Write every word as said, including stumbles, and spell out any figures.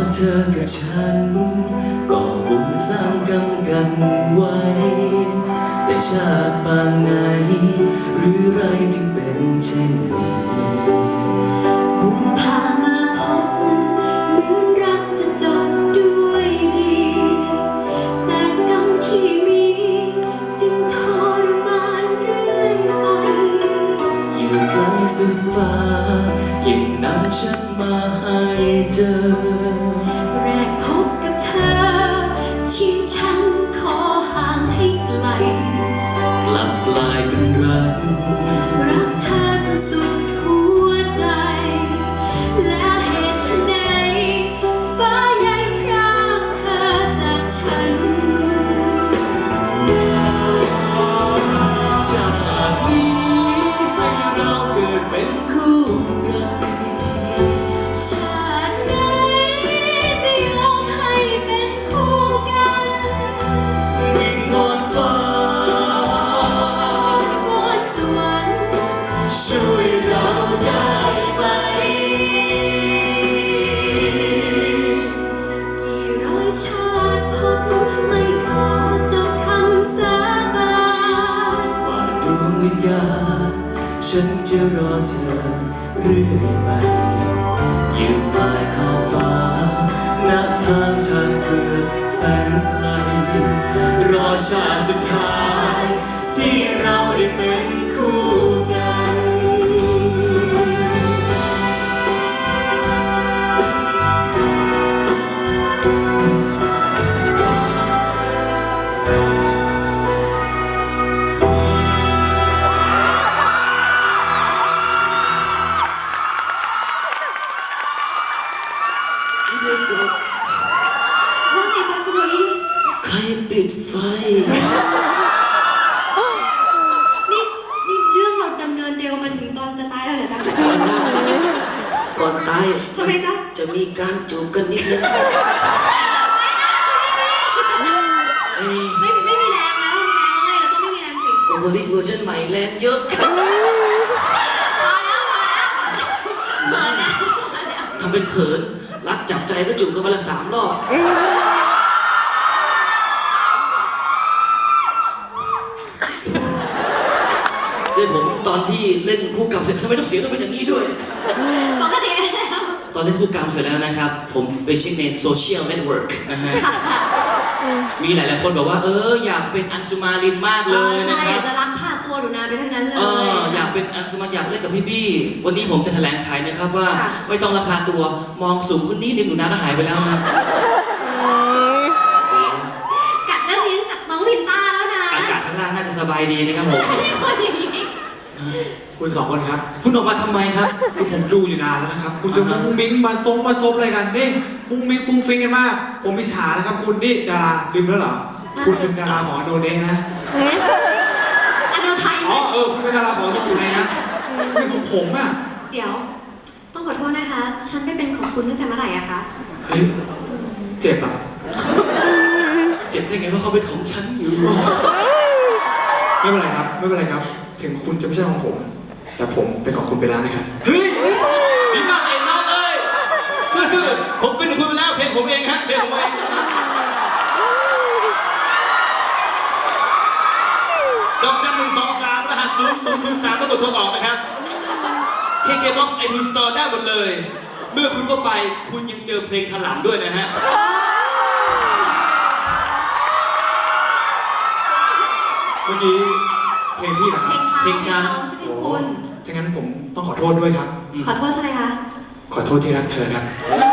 เธอกับฉันก็บุญสร้างกรรมกันไว้แต่ชาติปางไหนหรือไรจึงเป็นเช่นนี้บุญพามาพบเหมือนรักจะจบด้วยดีแต่กรรมที่มีจึงทรมานเรื่อยไปอยู่ไกลสุดฟ้ายังนำฉันมาให้เจอแรกพบกับเธอชีวิตฉันขอห่างให้ไกลกลับกลายเป็นรักรักเธอจนสุดหัวใจและเหตุไฉนฟ้าใหญ่พรากเธอจากฉันจากนี้ให้เราเกิดเป็นคู่กันชาติไหนจะยอมให้เป็นคู่กันวิงวอนฟ้าวอนสวรรค์ช่วยเราได้ไหมกี่ร้อยชาติพบไม่ขอจบคำสาบานว่าดวงวิญญาณฉันจะรอเธอเรื่อยไปอยู่ปลายขอบฟ้าณทางชานเพื่อแสงไกลรอชาติสุดท้ายที่เราได้เป็นคู่กันว่าไงจ๊ะคุณโมลี่ใครปิดไฟนี่นี่เรื่องเราดำเนินเร็วมาถึงตอนจะตายแล้วเหรอจ๊ะก่อนตายทำไมจ๊ะจะมีการจูบกันนิดนึงไม่ไม่มีแรงแล้วไม่มีแรงแล้วไงเราต้องไม่มีแรงสิก็บริเวอร์ชันใหม่แรงเยอะพอแล้วพอแล้วเขินแล้วทำเป็นเขินรักจับใจก็จูบกันวันละสามรอบด้วยผมตอนที่เล่นคู่กรรมเสร็จทำไมต้องเสียงต้องเป็นอย่างนี้ด้วยปกติตอนเล่นคู่กรรมเสร็จแล้วนะครับผมไปเช็คในโซเชียลเน็ตเวิร์กนะฮะมีหลายๆคนบอกว่าเอออยากเป็นอัญชุมาลินมากเลยนะครับอยากจะรักพาตัวหนูนาไปทั้งนั้นเลยอยากเป็นอัญชุมาอยากเล่นกับพี่บี้วันนี้ผมจะแถลงขายนะครับว่าไม่ต้องราคาตัวมองสูงคนนี้นึงหนูนาก็หายไปแล้วนะกัดเรื่องนี้กัดน้องพินต้าแล้วนะอากาศข้างล่างน่าจะสบายดีนะครับผมคุณสองคนครับคุณออกมาทำไมครับคือผมดูอยู่นานแล้วนะครับคุณจะมุ้งมิ้งมาซบมาซบอะไรกันนี่มุ้งมิ้งฟุ้งฟิ้งกันมากผมมิจฉาแล้วครับคุณนี่ดาราลืมแล้วเหรอคุณเป็นดาราของอโนเนะนะอโนไทยอ๋อเออคุณเป็นดาราของอโนไทยนะไม่ของผมอ่ะเดี๋ยวต้องขอโทษนะคะฉันไม่เป็นของคุณตั้งแต่เมื่อไหร่อะคะเฮ้ยเจ็บอ่ะเจ็บได้ไงว่าเขาเป็นของฉันอยู่ไม่เป็นไรครับไม่เป็นไรครับถึงคุณจะไม่ใช่ของผมแต่ผมเป็นของคุณไปแล้วนะครับเฮ้ยดีมากเลยน้องเอ้ยผมเป็นคุณแล้วเพลงผมเองฮะเพลงผมเองดอกจันหนึ่งสองสามรหัสศูนย์ศูนย์ศูนย์สามแล้วกดโทรออกนะครับ เค เค บ็อกซ์ ไอทูน สโตร์ ได้หมดเลยเมื่อคุณเข้าไปคุณยังเจอเพลงถลำด้วยนะฮะเมื่อกี้เพลงพี่นะครับเพลงฉันโอ้ถ้างั้นผมต้องขอโทษด้วยครับขอโทษอะไรคะขอโทษที่รักเธอครับ